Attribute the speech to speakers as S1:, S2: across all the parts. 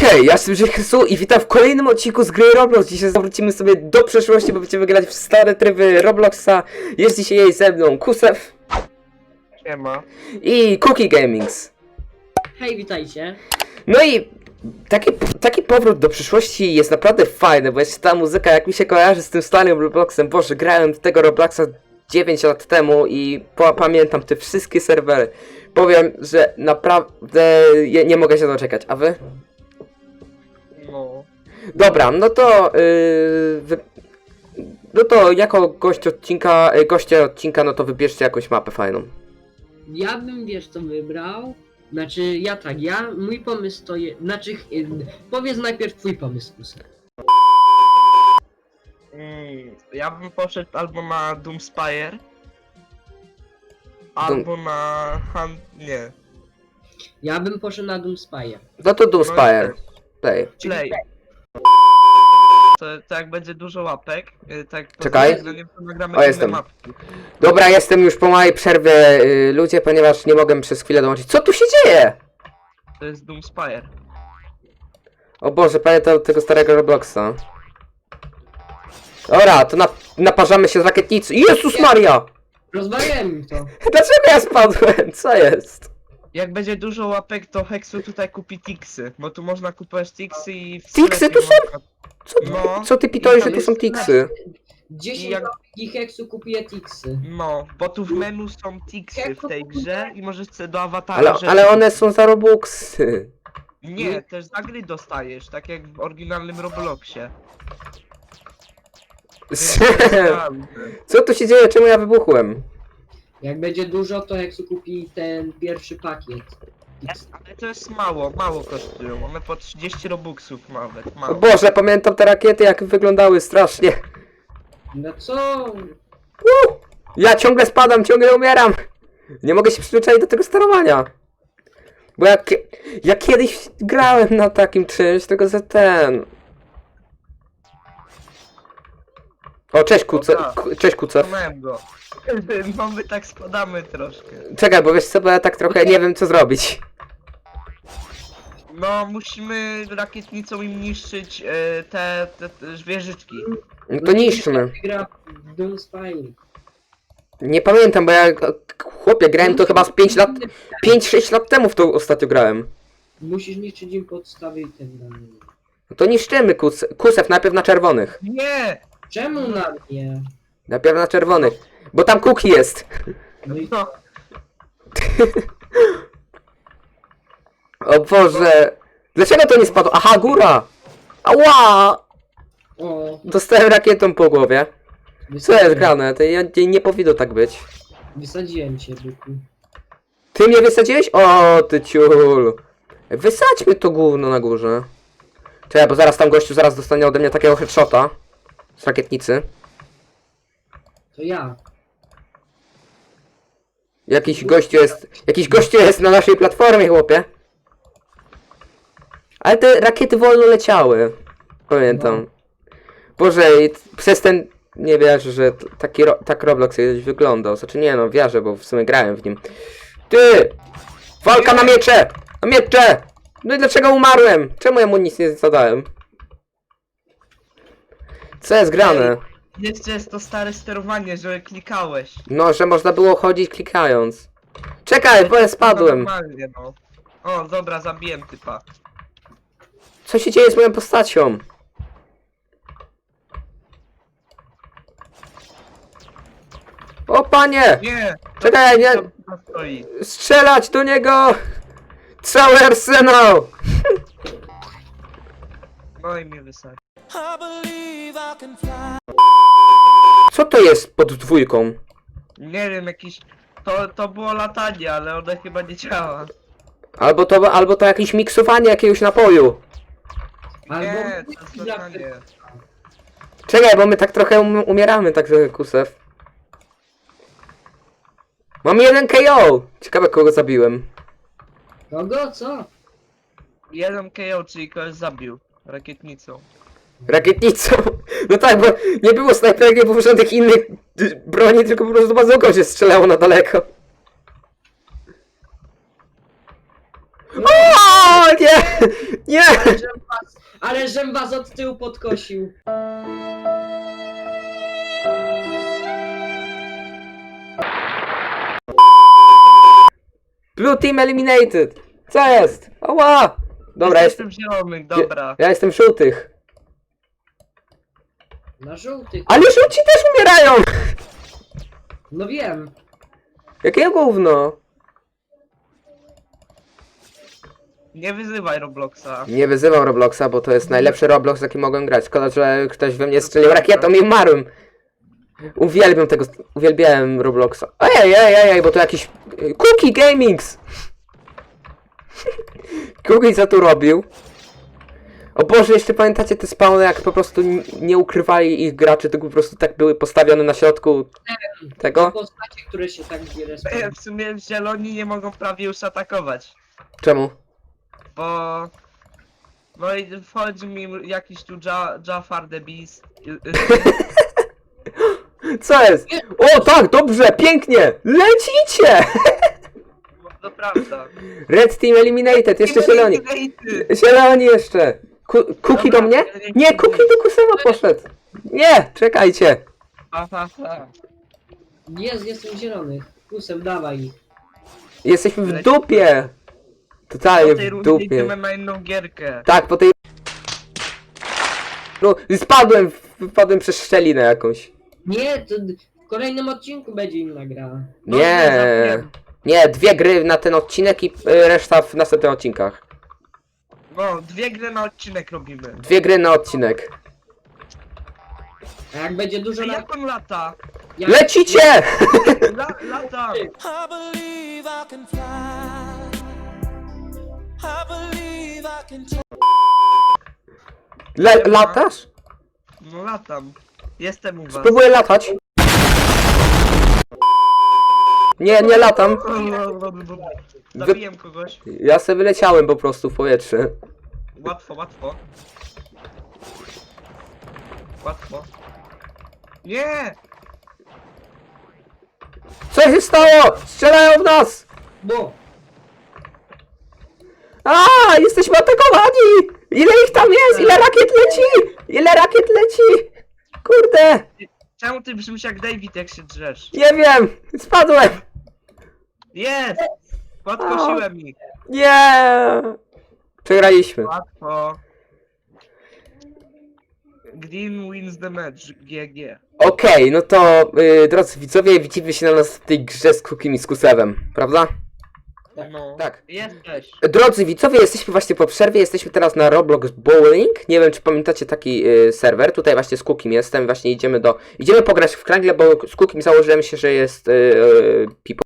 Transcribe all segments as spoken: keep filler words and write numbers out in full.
S1: Hej, ja jestem Krzysu i witam w kolejnym odcinku z gry Roblox. Dzisiaj zawrócimy sobie do przeszłości, bo będziemy grać w stare tryby Robloxa. Jest dzisiaj ze mną Kusew.
S2: Siema.
S1: I Cookie Gamings.
S3: Hej, witajcie.
S1: No i taki, taki powrót do przyszłości jest naprawdę fajny, bo jeszcze ta muzyka jak mi się kojarzy z tym starym Robloxem. Boże, grałem w tego Robloxa dziewięć lat temu i po, pamiętam te wszystkie serwery. Powiem, że naprawdę je, nie mogę się doczekać, a wy?
S2: No.
S1: Dobra, no to yy, wy... no to jako gość odcinka, yy, goście odcinka, no to wybierzcie jakąś mapę fajną.
S3: Ja bym, wiesz co wybrał? Znaczy, ja tak, ja, mój pomysł to jest, znaczy, y, powiedz najpierw twój pomysł, Kusek.
S2: Mm, ja bym poszedł albo na Doomspire, albo na Han... nie.
S3: Ja bym poszedł na Doomspire.
S1: No to Doomspire. Play.
S2: Play. To, to jak będzie dużo łapek, y, tak
S1: Czekaj.
S2: pozwolenie, to nagramy
S1: O,
S2: inne
S1: jestem.
S2: mapki.
S1: Dobra, jestem już po małej przerwie, yy, ludzie, ponieważ nie mogę przez chwilę dołączyć. Co tu się dzieje?
S2: To jest Doomspire.
S1: O Boże, pamiętam tego starego Robloxa. Dobra, to na, naparzamy się z rakietnicy. Jezus Maria!
S3: Rozwaliłem mi to.
S1: Dlaczego ja spadłem? Co jest?
S2: Jak będzie dużo łapek, to Hexu tutaj kupi Tixy, bo tu można kupować Tixy i... w
S1: Tixy
S2: sklepie
S1: tu są?
S2: można-
S1: Co, ty-
S2: No.
S1: co ty pitoli, że
S2: tam
S1: tu
S2: jest
S1: są tiksy?
S3: dziesięć
S2: Jak-
S3: i heksu kupię Tixy.
S2: No, bo tu w menu są Tixy w tej grze i możesz sobie do awatara
S1: Ale,
S2: rzeczy
S1: ale one są za Robuxy.
S2: Nie, też za gry dostajesz, tak jak w oryginalnym Robloxie.
S1: Co tu się dzieje? Czemu ja wybuchłem?
S3: Jak będzie dużo, to heksu kupi ten pierwszy pakiet.
S2: Ale to jest mało, mało kosztują. One po trzydzieści robuxów nawet,
S1: O
S2: mało.
S1: Boże, pamiętam te rakiety jak wyglądały strasznie.
S3: No co?
S1: Uh, ja ciągle spadam, ciągle umieram. Nie mogę się przyzwyczaić do tego sterowania. Bo ja, kie- ja kiedyś grałem na takim czymś, tylko za ten... O, cześć Kuce,
S2: Dobra.
S1: Ku- cześć Kucew.
S2: Złamałem go. No my tak spadamy troszkę.
S1: Czekaj, bo wiesz co, bo ja tak trochę nie wiem co zrobić.
S2: No, musimy rakietnicą im niszczyć e, te, te, te wieżyczki.
S1: No to niszczmy.
S3: Gra w Doomspire.
S1: Nie pamiętam, bo ja, chłopie, grałem to chyba z pięć lat, pięć sześć lat temu w to ostatnio grałem.
S3: Musisz niszczyć im podstawy i tak dalej.
S1: No to niszczymy kus, Kusew, najpierw na czerwonych.
S2: Nie!
S3: Czemu na mnie?
S1: Najpierw na czerwonych. Bo tam Cookie jest.
S3: No i
S2: No,
S1: O Boże. Dlaczego to nie spadło? Aha, góra! Ała!
S3: o,
S1: Dostałem rakietą po głowie. Co jest
S3: wysadziłem-
S1: grane? To ja, nie, nie powinno tak być.
S3: Wysadziłem cię, byku.
S1: Ty mnie wysadziłeś? O, ty ciul. Wysadźmy to gówno na górze. Czekaj, bo zaraz tam gościu zaraz dostanie ode mnie takiego headshota. Z rakietnicy.
S3: To ja.
S1: Jakiś gościu jest... Jakiś gościu jest na naszej platformie, chłopie. Ale te rakiety wolno leciały. Pamiętam. Boże, i t- przez ten... Nie wierzę, że t- taki ro... tak Roblox kiedyś wyglądał. Znaczy nie no, wierzę, bo w sumie grałem w nim. Ty! Walka na miecze! Na miecze! No i dlaczego umarłem? Czemu ja mu nic nie zadałem? Co jest grane?
S2: jeszcze jest to stare sterowanie, że klikałeś.
S1: No, że można było chodzić klikając. Czekaj, bo ja
S2: No
S1: spadłem.
S2: normalnie, no. O, dobra, zabiłem typa.
S1: Co się dzieje z moją postacią? O panie!
S2: Nie!
S1: Czekaj, nie!
S2: Tam typa stoi.
S1: Strzelać do niego! Cały arsenał!
S2: No i mnie wysadzi.
S1: Co to jest pod dwójką?
S2: Nie wiem, jakiś... To, to było latanie, ale one chyba nie działa.
S1: Albo to, albo to jakieś miksowanie jakiegoś napoju.
S3: Albo
S2: Nie, to jest latanie.
S1: Czekaj, bo my tak trochę um umieramy, tak trochę Kusew. Mam jeden K O! Ciekawe kogo zabiłem.
S3: Kogo? Co?
S2: Jeden K O, czyli kogoś zabił. Rakietnicą.
S1: Rakietnicą. No tak, bo nie było snajperek, nie było żadnych innych y, broni, tylko po prostu bazooką się strzelało na daleko. O, nie! Nie!
S3: Ale żem was, ale żem was od tyłu podkosił.
S1: Blue team eliminated! Co jest? Oła! Dobra,
S2: jestem
S1: jestem...
S2: zielonych, dobra.
S1: Ja jestem żółtych.
S3: Na żółtych.
S1: Ale żółci też umierają!
S3: No wiem.
S1: Jakie gówno?
S2: Nie wyzywaj Robloxa.
S1: Nie wyzywał Robloxa, bo to jest najlepszy Roblox, jaki mogłem grać. Szkoda, że ktoś we mnie strzelił rakietą i umarłem. Uwielbiam tego, uwielbiałem Robloxa. Ej, ej, ej, ej, bo to jakiś... Cookie Gamings! Cookie co tu robił? O Boże, jeszcze pamiętacie te spawny, jak po prostu n- nie ukrywali ich graczy, tylko po prostu tak były postawione na środku tego?
S3: Postacie, które się tak zbiera.
S2: E, W sumie zieloni nie mogą prawie już atakować.
S1: Czemu?
S2: Bo... No i wchodzi mi jakiś tu ja, Jafar the Beast. y, y,
S1: Co jest? O tak, dobrze, pięknie! Lecicie!
S2: To prawda.
S1: Red Team Eliminated, jeszcze zieloni.
S2: Eliminated.
S1: Zieloni jeszcze! Ku- Kuki do mnie? Nie, Kuki do Kusema poszedł! Nie, czekajcie!
S2: Ha, ha, ha.
S3: Jest, jestem zielony. Kusem, dawaj ich.
S1: Jesteśmy w dupie! Totalnie
S2: Po tej
S1: w
S2: rundzie
S1: dupie.
S2: idziemy na inną gierkę.
S1: Tak, po tej... No, spadłem, wpadłem przez szczelinę jakąś.
S3: Nie, to d- w kolejnym odcinku będzie inna gra.
S2: No,
S1: Nie,
S2: zapomniałem.
S1: nie, dwie gry na ten odcinek i y, reszta w następnych odcinkach.
S2: No, dwie gry na odcinek robimy.
S1: Dwie gry na odcinek.
S3: A jak będzie dużo
S2: A
S3: lat...
S2: jak on lata?
S3: Jak...
S1: Lecicie!
S2: La, lata!
S4: I believe I can fly. I believe I can take.
S1: Le latasz?
S2: No latam. Jestem u was.
S1: Spróbuję latać. Nie, nie latam.
S2: Zabiję kogoś.
S1: Ja sobie wyleciałem po prostu w powietrze.
S2: Łatwo, łatwo. Łatwo. Nie!
S1: Co się stało? Strzelają w nas!
S3: Bo!
S1: A, jesteśmy atakowani! Ile ich tam jest? Ile rakiet leci? Ile rakiet leci? Kurde!
S2: Czemu ty brzmisz jak David, jak się drzesz?
S1: Nie wiem! Spadłem!
S2: Jest! Podkosiłem ich.
S1: Nie! Przegraliśmy.
S2: Łatwo. Green wins the match. G G.
S1: Okej, no to y, drodzy widzowie, widzimy się na następnej grze z Cookiem i z Kusewem, prawda?
S2: No.
S1: Tak.
S2: Jesteś.
S1: Drodzy widzowie, jesteśmy właśnie po przerwie, jesteśmy teraz na Roblox Bowling. Nie wiem, czy pamiętacie taki y, serwer. Tutaj właśnie z Cookiem jestem, właśnie idziemy do... Idziemy pograć w Krangle, bo z Cookiem założyłem się, że jest y, y, people.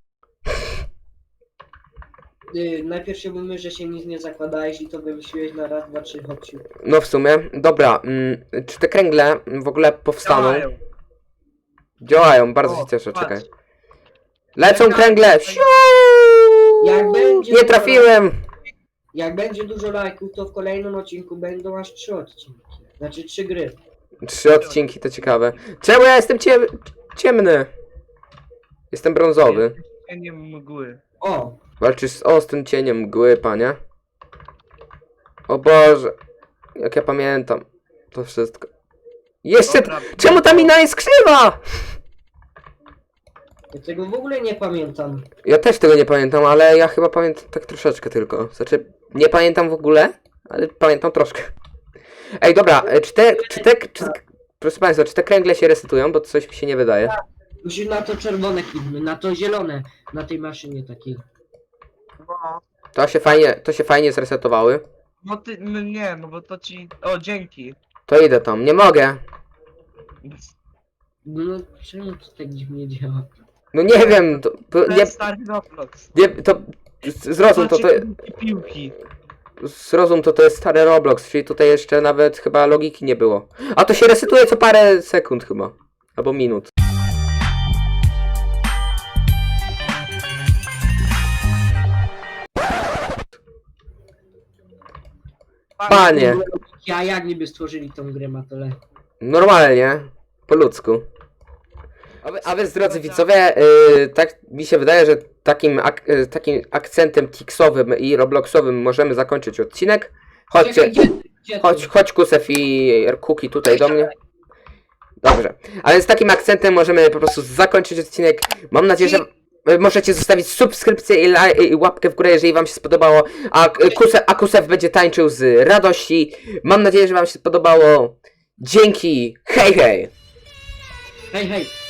S3: Y, najpierw się mówimy, że się nic nie zakładałeś i to wymyśliłeś na raz, dwa, trzy, chodź.
S1: No w sumie. Dobra, mm, czy te kręgle w ogóle powstaną?
S2: Działają.
S1: Działają, bardzo
S2: O,
S1: się cieszę,
S2: patrz.
S1: czekaj. Lecą kręgle! Siu!
S3: Jak będzie-
S1: Nie trafiłem!
S3: Jak będzie dużo lajków, to w kolejnym odcinku będą aż trzy odcinki. Znaczy trzy gry.
S1: Trzy odcinki, to ciekawe. Czemu ja jestem cie... ciemny? Jestem brązowy.
S2: Nie mgły.
S3: O!
S1: Walczysz z ostrym cieniem mgły, panie. O Boże. Jak ja pamiętam. To wszystko. Jeszcze...
S2: Dobra,
S1: Czemu ta mina jest krzywa?
S3: Ja tego w ogóle nie pamiętam.
S1: Ja też tego nie pamiętam, ale ja chyba pamiętam tak troszeczkę tylko. Znaczy, nie pamiętam w ogóle, ale pamiętam troszkę. Ej, dobra, e, czy te... Czy te czy, proszę państwa, czy te kręgle się resetują? Bo coś mi się nie wydaje.
S3: Musisz na to czerwone kliknąć, na to zielone. Na tej maszynie takiej.
S2: No.
S1: To się fajnie, to się fajnie zresetowały.
S2: No ty, no nie, no bo to ci... O, dzięki.
S1: To idę tam, nie mogę.
S3: No czemu to tak dziwnie działa?
S1: No nie wiem, to, to
S2: To
S1: nie,
S2: jest stary Roblox.
S1: nie, to zrozum to, to,
S2: Zobaczcie, piłki.
S1: zrozum to, to jest stary Roblox, czyli tutaj jeszcze nawet chyba logiki nie było. A to się resetuje co parę sekund chyba, albo minut. Panie,
S3: Ja jak niby stworzyli tą grę Matole?
S1: normalnie, po ludzku. A, wy, a więc, drodzy widzowie, yy, tak mi się wydaje, że takim, ak, yy, takim akcentem tiksowym i robloxowym możemy zakończyć odcinek. Chodźcie,
S3: Czekaj, gdzie, gdzie
S1: chodź,
S3: tu?
S1: chodź Kusef i Kuki tutaj do mnie. Dobrze, a więc takim akcentem możemy po prostu zakończyć odcinek. Mam nadzieję, że y, możecie zostawić subskrypcję i, la, i łapkę w górę, jeżeli wam się spodobało. A, y, Kusef, a Kusef będzie tańczył z radości. Mam nadzieję, że wam się spodobało. Dzięki, hej hej!
S3: Hej, hej!